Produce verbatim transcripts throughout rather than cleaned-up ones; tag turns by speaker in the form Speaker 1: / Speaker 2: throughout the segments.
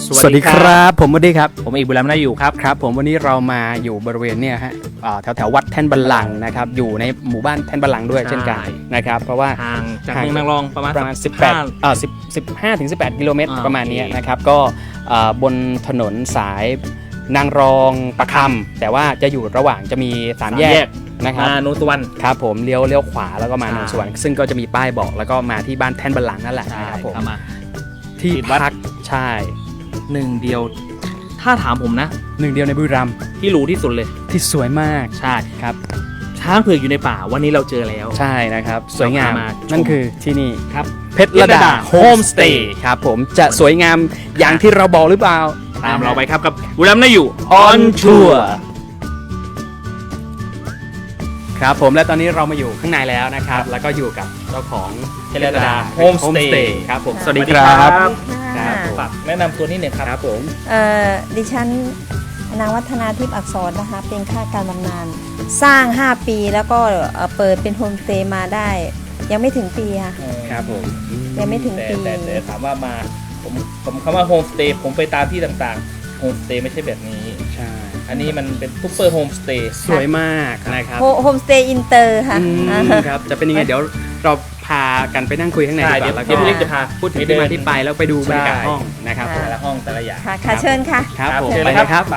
Speaker 1: สวัสดีครับผมวดีครับ
Speaker 2: ผมเอกบุญรำนาอยู่ครับ
Speaker 1: ครับผมวันนี้เรามาอยู่บริเวณเนี่ยฮะแถวแถววัดแท่นบัลลังก์นะครับอยู่ในหมู่บ้านแท่นบัลลังก์ด้วยเช่นกันนะครับเพราะว่า
Speaker 2: ห่างจากเมืองนางรองประมาณ
Speaker 1: ประมาณสิบแปดเอ่อ10 15ถึงสิบแปดกิโลเมตรประมาณนี้นะครับก็บนถนนสายนางรองประคำแต่ว่าจะอยู่ระหว่างจะมีสามแยกนะครับ
Speaker 2: มาโนนสุวรรณ
Speaker 1: ครับผมเลี้ยวเลี้ยวขวาแล้วก็มาโนนสุวรรณซึ่งก็จะมีป้ายบอกแล้วก็มาที่บ้านแท่นบัลลังก์นั่นแหละนะครับผมที่พักใช่
Speaker 2: หนึ่งเดียวถ้าถามผมนะ
Speaker 1: หนึ่งเดียวในบุรีรัมย์
Speaker 2: ที่หรูที่สุดเลย
Speaker 1: ที่สวยมาก
Speaker 2: ใช่
Speaker 1: ครับ
Speaker 2: ช้างเผือกอยู่ในป่าวันนี้เราเจอแล้ว
Speaker 1: ใช่นะครับสวยงามนั่นคือที่นี่
Speaker 2: ครับ
Speaker 1: เพชรระดาโฮมสเตย์ครับผมจะสวยงามอย่างที่เราบอกหรือเปล่า
Speaker 2: ตามเราไปครับกับบุรีรัมย์น่าอยู่
Speaker 1: ออนทัวร์ครับผมและตอนนี้เรามาอยู่ข้างในแล้วนะครับแล้วก็อยู่กับเจ้าของ
Speaker 2: เพชรระดาโฮมสเตย์
Speaker 1: ครับผมสวัสดีครับ
Speaker 2: ฝากแนะนำตัวนิดหนึ่งครับ
Speaker 1: ผม
Speaker 3: เอ่อดิฉันนางวัฒนาทิพย์อักษรนะคะเป็นข้าการบำนาญสร้างห้าปีแล้วก็เปิดเป็นโฮมสเตย์มาได้ยังไม่ถึงปีค่ะ
Speaker 1: ครับผม
Speaker 3: ยังไม่ถึงปี
Speaker 2: แต่แต่ถามว่ามาผมผมคำว่าโฮมสเตย์ผมไปตามที่ต่างๆโฮมสเตย์ไม่ใช่แบบนี้
Speaker 1: ใช่
Speaker 2: อันนี้มันเป็นซุปเปอร์โฮมสเตย์
Speaker 1: สวยมากนะครับ
Speaker 3: โฮมสเตย์อินเตอร์ค่ะ
Speaker 1: ครับจะเป็นยังไงเดี๋ยวเราพากันไปนั่งคุยข้างในดีกว่าแล้วก็
Speaker 2: จะพา
Speaker 1: พูดถึงที่มาที่ไปแล้วไปดูบรรยากาศห้องนะครับ
Speaker 2: แต่ละห้องแต่ละอย่าง
Speaker 3: ค่ะเชิญค่ะ
Speaker 1: ครับผมไปเลยครับ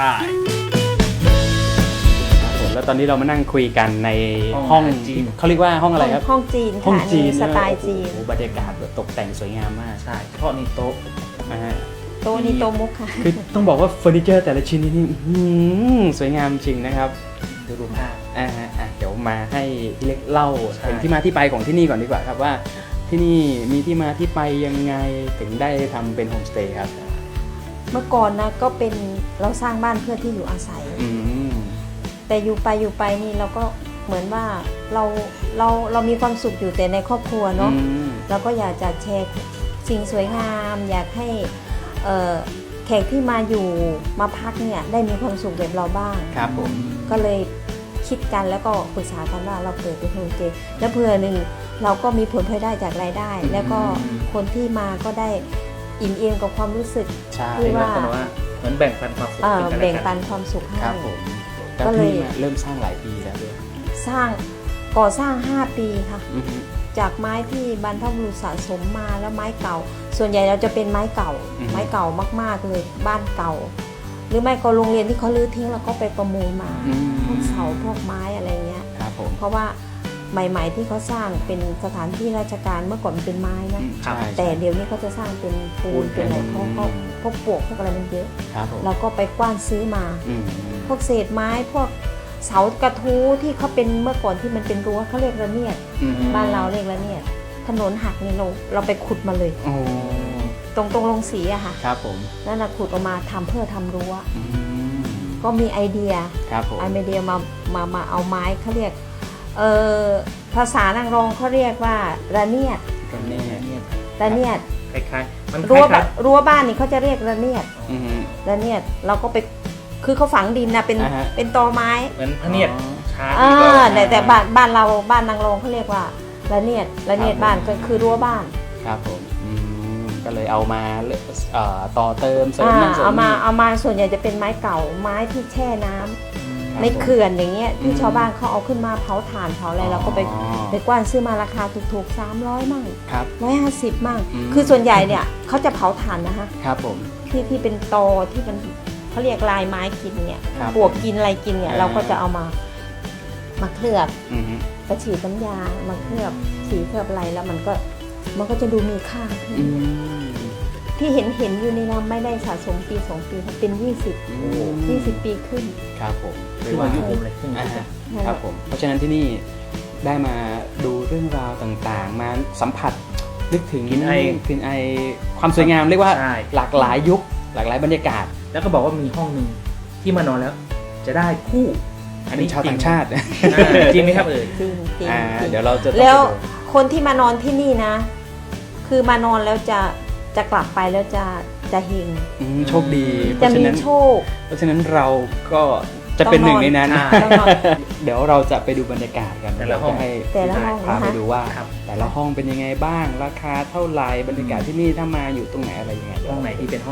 Speaker 1: แล้วตอนนี้เรามานั่งคุยกันในห้องจีนเขาเรียกว่าห้องอะไรครับ
Speaker 3: ห้องจีน
Speaker 1: ห้องจีน
Speaker 3: สไตล์จีน
Speaker 1: บรรยากาศแบบตกแต่งสวยงามมาก
Speaker 2: ใช่เฉพาะนี่โต๊ะ
Speaker 1: นะฮะ
Speaker 3: โต๊ะนี่โต๊ะมุกค่ะ
Speaker 1: คือต้องบอกว่าเฟอร์นิเจอร์แต่ละชิ้นนี่สวยงามจริงนะครับ
Speaker 2: ดูรูปภาพ
Speaker 1: อ่าอ่าเดี๋ยวมาให้เล็กเล่าถึงที่มาที่ไปของที่นี่ก่อนดีกว่าครับว่าที่นี่มีที่มาที่ไปยังไงถึงได้ทำเป็นโฮมสเตย์ครับ
Speaker 3: เมื่อก่อนนะก็เป็นเราสร้างบ้านเพื่อที่อยู่อาศัยแต่อยู่ไปอยู่ไปนี่เราก็เหมือนว่าเราเราเรามีความสุขอยู่แต่ในครอบครัวเนาะเราก็อยากจะแชร์สิ่งสวยงามอยากให้แขกที่มาอยู่มาพักเนี่ยได้มีความสุขแบบเราบ้าง
Speaker 1: ครับผม
Speaker 3: ก็เลยคิดกันแล้วก็ปรึกษากันว่าเราเปิดเป็นโฮมสเตย์แล้วเพื่อหนึ่งเราก็มีผลพลอยได้จากรายได้แล้วก็คนที่มาก็ได้อิ่มเอมกับความรู้สึก
Speaker 2: ที่ว่าเหมือนแบ่งปันความสุข
Speaker 3: แบ่งปันความสุขให้
Speaker 1: ก็เลยเริ่มสร้างหลายปีแล้วด้วย
Speaker 3: สร้างก่อสร้างห้าปีค่ะจากไม้ที่บรรพบุรุษสะสมมาแล้วไม้เก่าส่วนใหญ่เราจะเป็นไม้เก่าไม้เก่ามากๆเลยบ้านเก่าหรือไม่ก็โรงเรียนที่เขาลื้อทิ้งแล้วก็ไปประมูลมาพวกเสาพวกไม้อะไรเงี้ยเพราะว่าใหม่ๆที่เขาสร้างเป็นสถานที่ราชการเมื่อก่อนมันเป็นไม้นะแต่เดี๋ยวนี้เขาจะสร้างเป็นปูนเป็นอะไรเพราะเขาพวกปลวกพวกอะไรมันเยอะเราก็ไปกว้านซื้อมาพวกเศษไม้พวกเสากระทู้ที่เขาเป็นเมื่อก่อนที่มันเป็นรั้วเขาเรียกระเนียดบ้านเราเรียกระเนียดถนนหักนี่เราเราไปขุดมาเลยตรงตรงลงสีอะค่ะ
Speaker 1: ครับผม
Speaker 3: แล้วเราขุดออกมาทำเพื่อทำรั้วก็มีไอเดียไอเดียมามามาเอาไม้เขาเรียกเออภาษานางรองเขาเรียกว่าระเนียด
Speaker 1: ระเนียด
Speaker 3: ระเนียด
Speaker 2: คล้ายๆมัน
Speaker 3: รั้วรั้วบ้านนี่เขาจะเรียกระเนียดระเนียดเราก็ไปคือเขาฝังดินนะเป็นเป็นตอไม้
Speaker 2: เหมือนพะเนียด
Speaker 3: ช้าอ่าแต่แต่บ้านบ้านเราบ้านนางรองเขาเรียกว่าระเนียดระเนียดบ้านก็คือรั้วบ้าน
Speaker 1: ครับผมก็เลยเอามาต่อเติมเสริมนั่นเสริม
Speaker 3: เอามาเอามาส่วนใหญ่จะเป็นไม้เก่าไม้ที่แช่น้ำในเขื่อนอย่างเงี้ยที่ชาวบ้านเขาเอาขึ้นมาเผาถ่านเผาอะไรเราก็ไปไปกว้านซื้อมาราคาถูกๆสามร้อยมั่งร้อยห้าสิบมั่งคือส่วนใหญ่เนี่ยเขาจะเผาถ่านนะคะ
Speaker 1: ครับผม
Speaker 3: ที่ที่เป็นตอที่มันเขาเรียกลายไม้กินเนี่ยปลวกกินอะไรกินเนี่ยเราก็จะเอามามาเคลือบกระฉีดน้ำยามาเคลือบสีเคลือบอะไรแล้วมันก็มันก็จะดูมีค่าที่เห็นเห็นอยู่ในน้ำไม่ได้สะสมปีสองปีเป็นยี่สิบยี่สิบปีขึ้น
Speaker 1: ครับผม
Speaker 2: คือว่ายุคเลยขึ้น
Speaker 1: ครับผมเพราะฉะนั้นที่นี่ได้มาดูเรื่องราวต่างๆมาสัมผัสนึกถึง
Speaker 2: กลิ่นไอ
Speaker 1: ลิ่นไอความสวยงามเรียกว่าหลากหลายยุคหลากหลายบรรยากาศ
Speaker 2: แล้วก็บอกว่ามีห้องหนึ่งที่มานอนแล้วจะได้คู่
Speaker 1: อันนี้ชาวต่างชาติ
Speaker 2: จริงไหมครับเออ
Speaker 3: จริงจริง
Speaker 1: เดี๋ยวเราจะ
Speaker 3: แล้วคนที่มานอนที่นี่นะคือมานอนแล้วจะจะกลับไปแล้วจะจะเฮง
Speaker 1: โชคดี
Speaker 3: จะมีโชค
Speaker 1: เพราะฉะนั้นเราก็จะเป็นหนึ่งในนั้นเดี๋ยวเราจะไปดูบรรยากาศกัน
Speaker 2: แต่ละห้อง
Speaker 3: ให้
Speaker 1: พาไปดูว่าแต่ละห้องเป็นยังไงบ้างราคาเท่าไหร่บรรยากาศที่นี่ถ้ามาอยู่ตรงไหนอะไรยังไง
Speaker 2: ห้องไหนที่เป็นห้องไ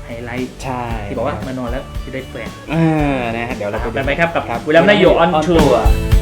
Speaker 2: ไฮไลท์
Speaker 1: ใช่
Speaker 2: ที่บอกว่ามานอนแล้วจะได้แฟน
Speaker 1: เออนะฮะเดี๋ยวเราไปดู
Speaker 2: ไปไหมครับกับ
Speaker 1: ครับ
Speaker 2: วิลลัมนายโยออนทัวร์